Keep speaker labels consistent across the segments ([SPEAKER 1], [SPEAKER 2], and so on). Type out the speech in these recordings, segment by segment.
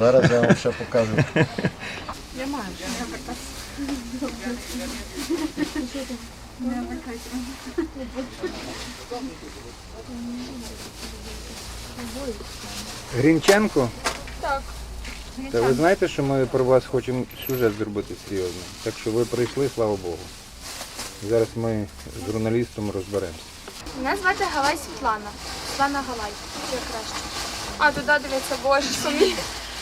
[SPEAKER 1] Зараз я вам ще покажу.
[SPEAKER 2] Я маю.
[SPEAKER 3] Грінченко?
[SPEAKER 2] Так.
[SPEAKER 3] Та ви знаєте, що ми про вас хочемо сюжет зробити серйозно. Так що ви прийшли, слава Богу. Зараз ми з журналістом розберемося.
[SPEAKER 4] Мене звати Галай Світлана. Світлана Галай. Як краще. А, туди дивиться, боже, самі.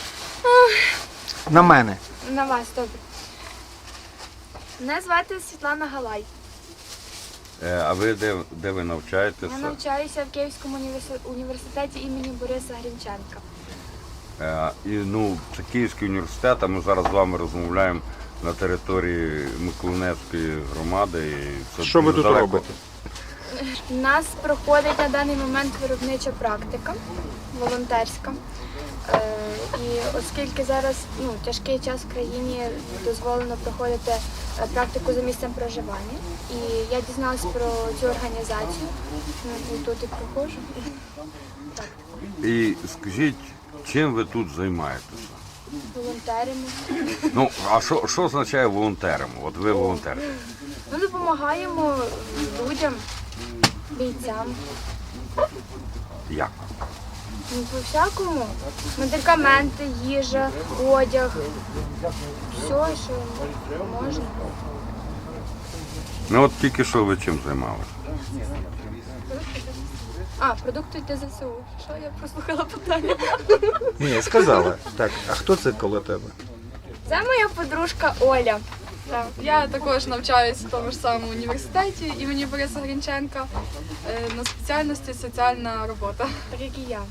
[SPEAKER 3] На мене.
[SPEAKER 4] На вас, добре. Мене звати Світлана Галай.
[SPEAKER 5] А ви де ви навчаєтеся?
[SPEAKER 4] Я навчаюся в Київському університеті імені Бориса Грінченка.
[SPEAKER 5] Це Київський університет, а ми зараз з вами розмовляємо на території Миколинецької громади. І це
[SPEAKER 3] Що ви
[SPEAKER 5] дуже
[SPEAKER 3] тут
[SPEAKER 5] далеко.
[SPEAKER 3] робите?
[SPEAKER 4] У нас проходить на даний момент виробнича практика, волонтерська. І оскільки зараз тяжкий час в країні, дозволено проходити практику за місцем проживання. І я дізналась про цю організацію, і тут і проходжу.
[SPEAKER 5] І скажіть, чим ви тут займаєтеся?
[SPEAKER 4] Волонтеримо.
[SPEAKER 5] А що означає волонтером? От ви волонтер.
[SPEAKER 4] Ми допомагаємо людям, бійцям.
[SPEAKER 5] Як?
[SPEAKER 4] По-всякому. Медикаменти, їжа, одяг. Все, що можна.
[SPEAKER 5] От тільки що ви чим займалися?
[SPEAKER 4] Продукти для ЗСУ. Що я прослухала питання?
[SPEAKER 3] Ні, сказала. Так, а хто це коло тебе?
[SPEAKER 4] Це моя подружка Оля.
[SPEAKER 2] Так. Я також навчаюся в тому ж самому університеті імені Бориса Грінченка на спеціальності соціальна робота.
[SPEAKER 4] Так як і я.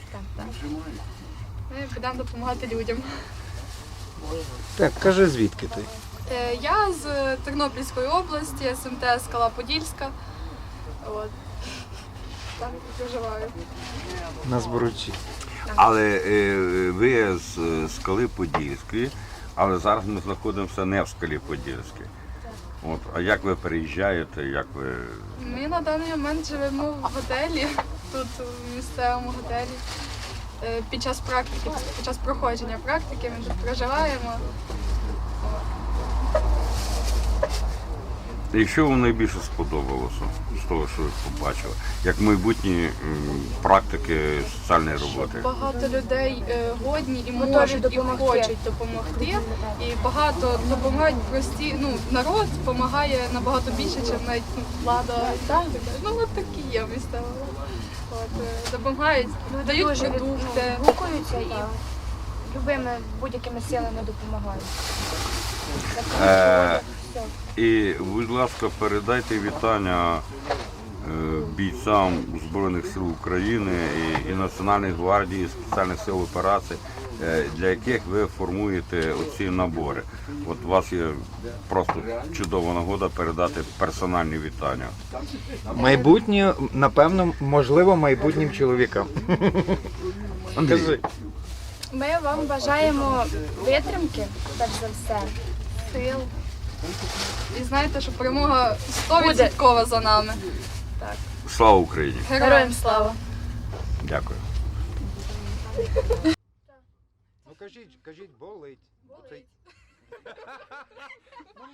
[SPEAKER 2] Ми підемо допомагати людям.
[SPEAKER 3] Так, кажи, звідки ти?
[SPEAKER 2] Я з Тернопільської області, СМТ Скала Подільська. От. Там і проживаю.
[SPEAKER 3] На Зборучі.
[SPEAKER 5] Але ви з Скали Подільської, але зараз ми знаходимося не в Скалі Подільській. А як ви переїжджаєте, як ви...
[SPEAKER 2] Ми на даний момент живемо в готелі, тут в місцевому готелі. Під час практики, під час проходження практики ми тут проживаємо.
[SPEAKER 5] І що вам найбільше сподобалося з того, що ви побачили, як майбутні практики соціальної роботи?
[SPEAKER 2] Багато людей годні і
[SPEAKER 4] Готові
[SPEAKER 2] можуть, і
[SPEAKER 4] допомогти.
[SPEAKER 2] хочуть допомогти. І багато допомагають прості, народ допомагає набагато більше, ніж навіть влада. От такі є місцева. Допомагають, дають
[SPEAKER 4] Дуже
[SPEAKER 2] продукти.
[SPEAKER 4] гукаються і любими будь-якими силами допомагають.
[SPEAKER 5] І, будь ласка, передайте вітання бійцям Збройних сил України і Національної гвардії, спеціальних сил операцій, для яких ви формуєте оці набори. От у вас є просто чудова нагода передати персональні вітання.
[SPEAKER 3] Майбутнє, напевно, можливо, майбутнім чоловікам. Кажи.
[SPEAKER 4] Ми вам бажаємо витримки, перш за все, сил.
[SPEAKER 2] І знаєте, що перемога 100% за нами.
[SPEAKER 5] Слава Україні!
[SPEAKER 2] Героям слава!
[SPEAKER 5] Дякую.
[SPEAKER 3] Кажіть, болить.